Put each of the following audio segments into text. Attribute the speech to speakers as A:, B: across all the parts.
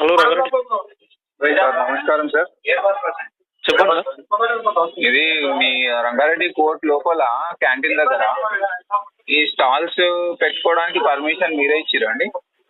A: Hello Rangareddy
B: sir నమస్కారం sir.
A: చెప్పండి sir.
B: ఇది మీ రంగారెడ్డి కోర్ట్ లోపల క్యాంటీన్ దగ్గర ఈ స్టాల్స్ పెట్టుకోవడానికి పర్మిషన్ మీరే ఇచ్చిరండి?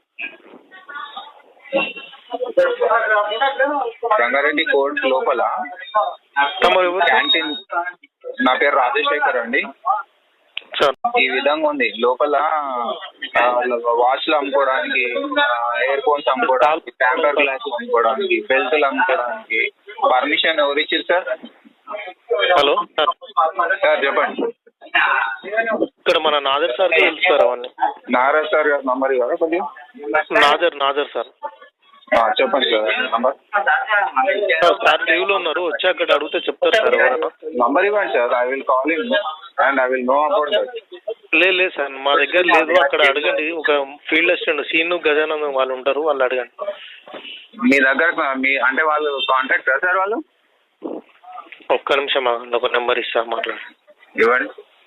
B: రంగారెడ్డి కోర్ట్ లోపల క్యాంటీన్, నా పేరు రాజశేఖర్ అండి. ఈ విధంగా ఉంది లోపల వాచ్లు అమ్ముకోవడానికి, ఇయర్ ఫోన్స్ అమ్ముకోవడానికి, టెంపర్ గ్లాసులు అమ్ముకోవడానికి, బెల్టులు అమ్ముకోవడానికి పర్మిషన్ ఎవరు ఇచ్చారు సార్?
A: హలో
B: సార్ చెప్పండి.
A: ఇక్కడ మన నాజర్ సార్ తెలుసు సార్ అవన్నీ.
B: నాగరాజ్ సార్ గారు నంబర్ ఇవ్వరా కొద్దిగా?
A: నాజర్ సార్
B: చెప్పండి సార్ నంబర్.
A: సార్ లీవ్లో ఉన్నారు, వచ్చి అక్కడ అడిగితే చెప్తారు సార్ ఎవరైనా.
B: నంబర్ ఇవ్వండి sir. I will call him and I will know about that.
A: లేదు సార్ మా దగ్గర లేదు, అక్కడ అడగండి. ఒక ఫీల్డ్ అసిస్టెంట్ సీను గజానందం వాళ్ళు ఉంటారు, వాళ్ళు అడగండి.
B: మీ దగ్గర మీ అంటే వాళ్ళు కాంటాక్టా సార్? వాళ్ళు
A: ఒక్క నిమిషం ఆగండి, ఒక నెంబర్ ఇస్తా మాట్లాడండి.
B: ఇవ్వండి.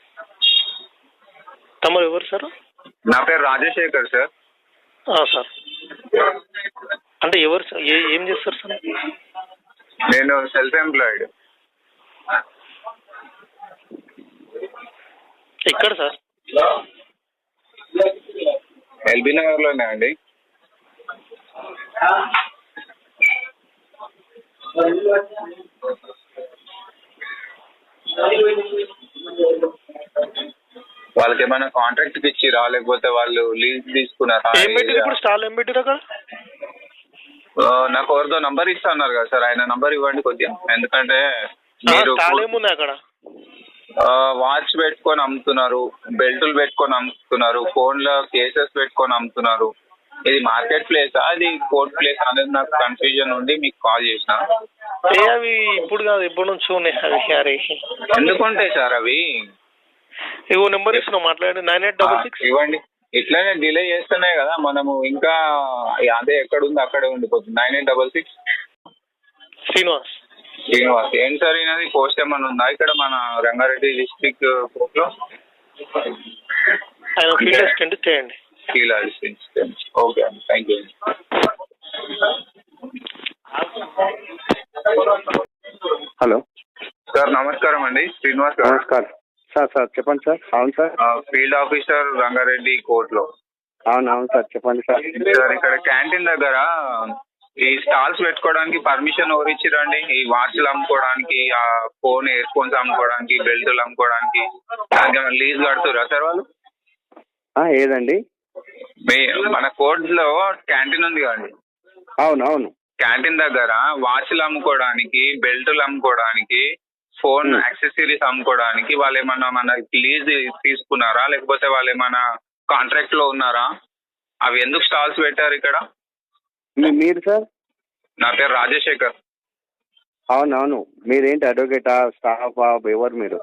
A: తమరు ఎవరు సార్?
B: నా పేరు రాజశేఖర్ సార్.
A: సార్ అంటే ఎవరు సార్? ఏం చేస్తారు సార్?
B: నేను సెల్ఫ్ ఎంప్లాయిడ్.
A: ఎక్కడ సార్?
B: ఎల్బీ నగర్లోనే అండి. వాళ్ళకి ఏమైనా కాంట్రాక్ట్ ఇచ్చిరా, లేకపోతే వాళ్ళు లీజ్ తీసుకున్నారా?
A: ఇప్పుడు స్టాల్ ఏం పెట్టారు అక్కడ?
B: నాకు ఎవరిదో నంబర్ ఇస్తా అన్నారు కదా సార్, ఆయన నంబర్ ఇవ్వండి కొద్దిగా. ఎందుకంటే మీరు
A: అక్కడ
B: వాచ్ పెట్టుకొని అమ్ముతున్నారు, బెల్టులు పెట్టుకొని అమ్ముతున్నారు, ఫోన్లో కేసెస్ పెట్టుకొని అమ్ముతున్నారు. ఇది మార్కెట్ ప్లేసా, అది కోర్ట్ ప్లేస్ అనేది నాకు కన్ఫ్యూజన్ ఉండి మీకు కాల్ చేసిన.
A: అవి ఇప్పుడు కాదు, ఎప్పటి నుంచి ఉన్నాయి.
B: ఎందుకుంటాయి సార్ అవి?
A: ఇవో నెంబర్ ఇస్తున్నా మాట్లాడండి. 9866
B: ఇవ్వండి. ఇట్లానే డిలే చేస్తున్నాయి కదా మనము, ఇంకా అదే ఎక్కడ ఉంది అక్కడే ఉండిపోతుంది. 9866
A: శ్రీనివాస్.
B: ఏంటి సార్ ఈయనది పోస్ట్ ఏమన్నా ఉందా ఇక్కడ మన రంగారెడ్డి డిస్ట్రిక్ట్ కోర్ట్ లో?
A: ఆయన ఫీల్డ్ అసిస్టెంట్ చేయండి.
B: ఫీల్డ్ అసిస్టెంట్, ఓకే అండి, థ్యాంక్ యూ.
C: హలో
B: సార్ నమస్కారం అండి, శ్రీనివాస్ గారు.
C: నమస్కారం సార్ చెప్పండి సార్. అవును sir,
B: field officer Rangareddy court లో.
C: అవును సార్ చెప్పండి సార్.
B: సార్ ఇక్కడ క్యాంటీన్ దగ్గర ఈ స్టాల్స్ పెట్టుకోవడానికి పర్మిషన్ ఎవరు ఇచ్చిరండి? ఈ వాచ్లు అమ్ముకోవడానికి, ఆ ఫోన్ ఇయర్ ఫోన్స్ అమ్ముకోవడానికి, బెల్టులు అమ్ముకోవడానికి దానికి లీజ్ కడుతురా సార్ వాళ్ళు?
C: ఏదండి?
B: మన కోర్ట్ లో క్యాంటీన్ ఉంది కదండి.
C: అవును.
B: క్యాంటీన్ దగ్గర వాచ్లు అమ్ముకోవడానికి, బెల్టులు అమ్ముకోవడానికి, ఫోన్ యాక్సెసరీస్ అమ్ముకోవడానికి వాళ్ళు ఏమన్నా మన లీజ్ తీసుకున్నారా, లేకపోతే వాళ్ళు ఏమన్నా కాంట్రాక్ట్ లో ఉన్నారా? అవి ఎందుకు స్టాల్స్ పెట్టారు ఇక్కడ?
C: మీరు సార్?
B: నా పేరు రాజశేఖర్.
C: అవును. మీరేంటి అడ్వకేటా, స్టాఫా, ఎవరు మీరు?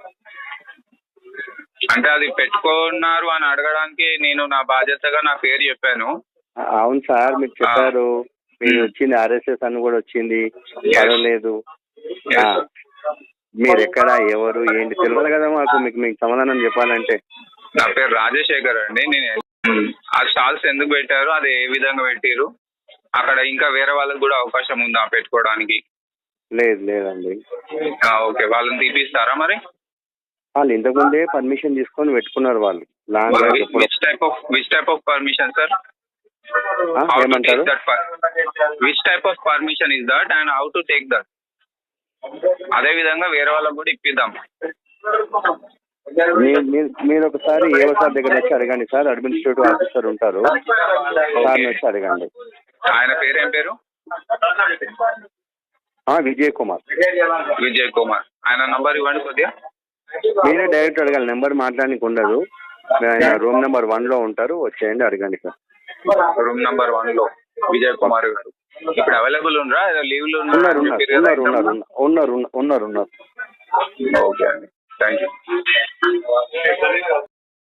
B: అంటే అది పెట్టుకున్నారు అని అడగడానికి నేను నా బాధ్యతగా నా పేరు చెప్పాను.
C: అవును సార్, మీరు చెప్పారు. మీరు వచ్చింది ఆర్ఎస్ఎస్ అని కూడా వచ్చింది, పర్వాలేదు. మీరు ఎక్కడ, ఎవరు, ఏంటి తెలియదు కదా మాకు. మీకు సమాధానం చెప్పాలంటే.
B: నా పేరు రాజశేఖర్ అండి. నేను ఆ స్టాల్స్ ఎందుకు పెట్టారు, అది ఏ విధంగా పెట్టారు, అక్కడ ఇంకా వేరే వాళ్ళకి కూడా అవకాశం ఉందా పెట్టుకోవడానికి?
C: లేదండి.
B: ఓకే, వాళ్ళని తీపిస్తారా మరి?
C: వాళ్ళు ఇంతకుముందే పర్మిషన్ తీసుకొని పెట్టుకున్నారు వాళ్ళు.
B: Which type of permission sir?
C: ఏమంటారు?
B: Which type of permission is that and how to take that? అదే విధంగా వేరే వాళ్ళకి కూడా ఇప్పిద్దాం.
C: మీరు ఒకసారి ఏవో సార్ దగ్గర వచ్చి అడగండి సార్. అడ్మినిస్ట్రేటివ్ ఆఫీసర్ ఉంటారు, సార్ వచ్చి అడగండి.
B: ఆయన పేరు ఏం పేరు?
C: విజయ్ కుమార్.
B: ఆయన నంబర్ ఇవ్వండి కొద్దిగా.
C: మీరే డైరెక్ట్ అడగాలి, నెంబర్ మాట్లాడానికి ఉండదు. ఆయన రూమ్ నెంబర్ 1 లో ఉంటారు, వచ్చేయండి అడగండి సార్.
B: రూమ్ నెంబర్ 1 లో విజయ్ కుమార్ గారు ఇప్పుడు అవైలబుల్ ఉన్నారా? లీవ్ లో
C: ఉన్నారు.
B: ఓకే అండి, థ్యాంక్ యూ.